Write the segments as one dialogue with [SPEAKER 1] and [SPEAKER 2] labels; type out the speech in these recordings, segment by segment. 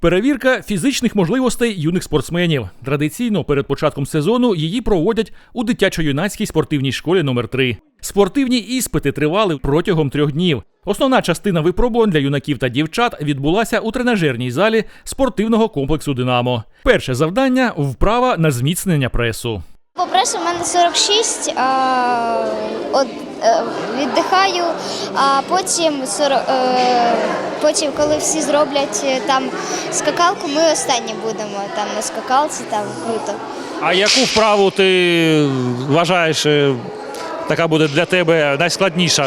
[SPEAKER 1] Перевірка фізичних можливостей юних спортсменів. Традиційно перед початком сезону її проводять у дитячо-юнацькій спортивній школі номер 3. Спортивні іспити тривали протягом 3 днів. Основна частина випробувань для юнаків та дівчат відбулася у тренажерній залі спортивного комплексу «Динамо». Перше завдання – вправа на зміцнення пресу.
[SPEAKER 2] По пресу в мене 46, віддихаю, а потім, коли всі зроблять там скакалку, ми останні будемо там на скакалці, там круто.
[SPEAKER 3] А яку вправу ти вважаєш, така буде для тебе найскладніша?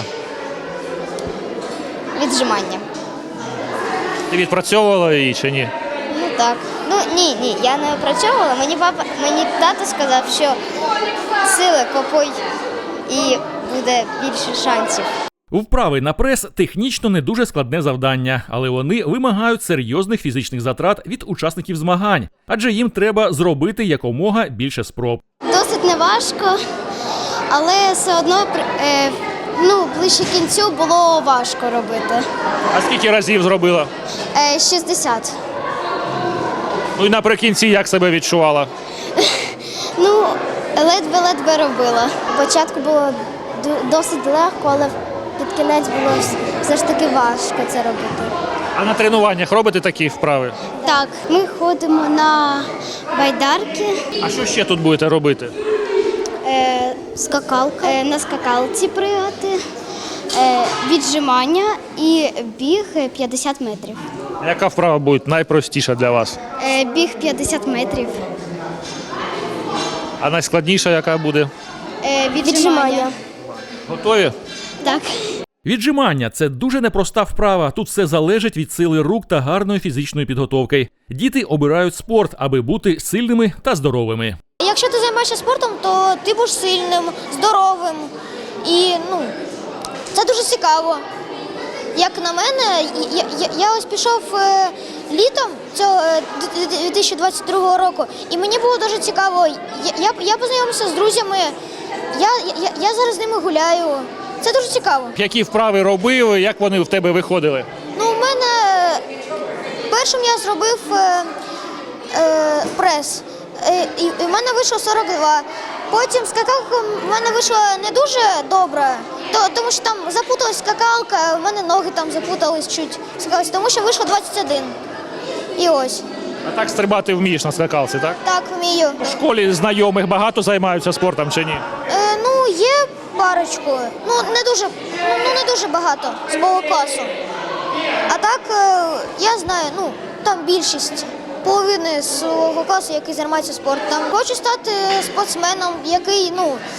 [SPEAKER 2] Віджимання.
[SPEAKER 3] Ти відпрацьовувала її чи ні?
[SPEAKER 2] Ну так. Ні, я не опрацьовувала. Мені тато сказав, що сили копой і буде більше шансів.
[SPEAKER 1] Вправи на прес – технічно не дуже складне завдання, але вони вимагають серйозних фізичних затрат від учасників змагань, адже їм треба зробити якомога більше спроб.
[SPEAKER 2] Досить неважко, але все одно ближче кінцю було важко робити.
[SPEAKER 3] А скільки разів зробила?
[SPEAKER 2] 60.
[SPEAKER 3] Ну і наприкінці як себе відчувала?
[SPEAKER 2] Ледве робила. Спочатку було досить легко, але під кінець було все ж таки важко це робити.
[SPEAKER 3] А на тренуваннях робите такі вправи?
[SPEAKER 2] Так, ми ходимо на байдарки.
[SPEAKER 3] А що ще тут будете робити?
[SPEAKER 2] Скакалка. На скакалці пригати, віджимання і біг 50 метрів.
[SPEAKER 3] Яка вправа буде найпростіша для вас?
[SPEAKER 2] Біг 50 метрів.
[SPEAKER 3] А найскладніша яка буде?
[SPEAKER 2] Віджимання.
[SPEAKER 3] Готові?
[SPEAKER 2] Так.
[SPEAKER 1] Віджимання – це дуже непроста вправа. Тут все залежить від сили рук та гарної фізичної підготовки. Діти обирають спорт, аби бути сильними та здоровими.
[SPEAKER 2] Якщо ти займаєшся спортом, то ти будеш сильним, здоровим і це дуже цікаво. Як на мене, я ось пішов літом цього 2022 року, і мені було дуже цікаво. Я познайомився з друзями, я зараз з ними гуляю. Це дуже цікаво.
[SPEAKER 3] Які вправи робив, як вони в тебе виходили?
[SPEAKER 2] У мене першим я зробив прес, і в мене вийшло 42. Потім скакалка в мене вийшла не дуже добре, тому що там запуталась скакалка, в мене ноги там запутались чуть, тому що вийшло 21. І ось.
[SPEAKER 3] А так стрибати вмієш на скакалці, так?
[SPEAKER 2] Так, вмію.
[SPEAKER 3] В школі знайомих багато займаються спортом чи ні?
[SPEAKER 2] Є парочку, не дуже багато з мого класу. А так, я знаю, там більшість. Половини свого класу, який займається спортом. Хочу стати спортсменом, який,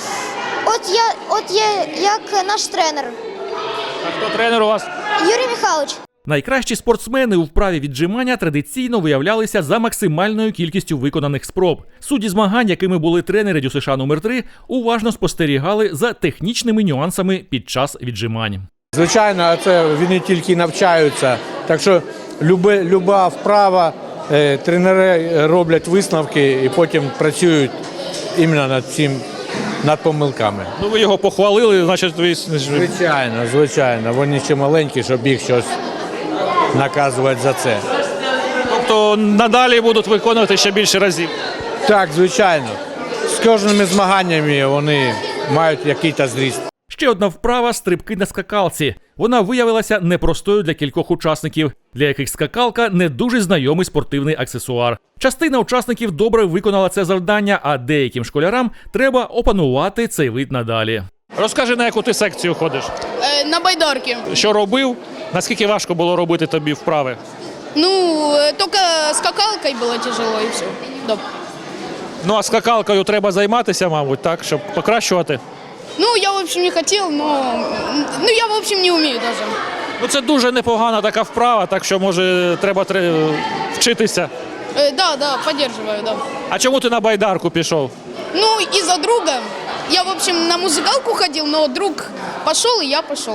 [SPEAKER 2] от є як наш тренер.
[SPEAKER 3] А хто тренер у вас?
[SPEAKER 2] Юрій Михайлович.
[SPEAKER 1] Найкращі спортсмени у вправі віджимання традиційно виявлялися за максимальною кількістю виконаних спроб. Судді змагань, якими були тренери ДЮСШ номер 3, уважно спостерігали за технічними нюансами під час віджимань.
[SPEAKER 4] Звичайно, це вони тільки навчаються, так що люба вправа, тренери роблять висновки і потім працюють іменно над помилками.
[SPEAKER 3] Ну ви його похвалили, значить ви...
[SPEAKER 4] Звичайно. Вони ще маленькі, щоб їх щось наказувати за це.
[SPEAKER 3] Тобто надалі будуть виконувати ще більше разів?
[SPEAKER 4] Так, звичайно. З кожними змаганнями вони мають якийсь зріст.
[SPEAKER 1] Ще одна вправа – стрибки на скакалці. Вона виявилася непростою для кількох учасників, для яких скакалка – не дуже знайомий спортивний аксесуар. Частина учасників добре виконала це завдання, а деяким школярам треба опанувати цей вид надалі.
[SPEAKER 3] Розкажи, на яку ти секцію ходиш?
[SPEAKER 5] На байдарки.
[SPEAKER 3] Що робив? Наскільки важко було робити тобі вправи?
[SPEAKER 5] Только скакалкой было тяжело и все. Да.
[SPEAKER 3] Ну а скакалкою треба займатися, мабуть, так, щоб покращувати?
[SPEAKER 5] Я, в общем, не хотел, но я, в общем, не умею даже.
[SPEAKER 3] Ну це дуже непогана така вправа, так що, може, треба вчитися.
[SPEAKER 5] Да, поддерживаю, да.
[SPEAKER 3] А чому ти на байдарку пішов?
[SPEAKER 5] Из-за друга. Я, в общем, на музыкалку ходил, но друг пошел, и я пошел.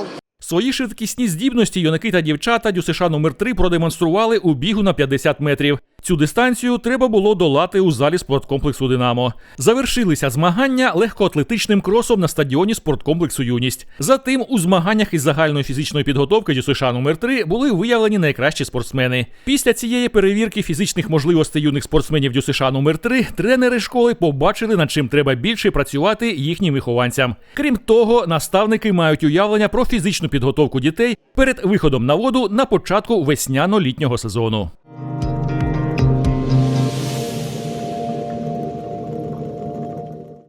[SPEAKER 1] Свої швидкісні здібності юнаки та дівчата ДЮСШ номер 3 продемонстрували у бігу на 50 метрів. Цю дистанцію треба було долати у залі спорткомплексу «Динамо». Завершилися змагання легкоатлетичним кросом на стадіоні спорткомплексу «Юність». Затим у змаганнях із загальної фізичної підготовки ДЮСШ номер 3 були виявлені найкращі спортсмени. Після цієї перевірки фізичних можливостей юних спортсменів ДЮСШ номер 3 тренери школи побачили, над чим треба більше працювати їхнім вихованцям. Крім того, наставники мають уявлення про фізичну підготовку дітей перед виходом на воду на початку весняно-літнього сезону.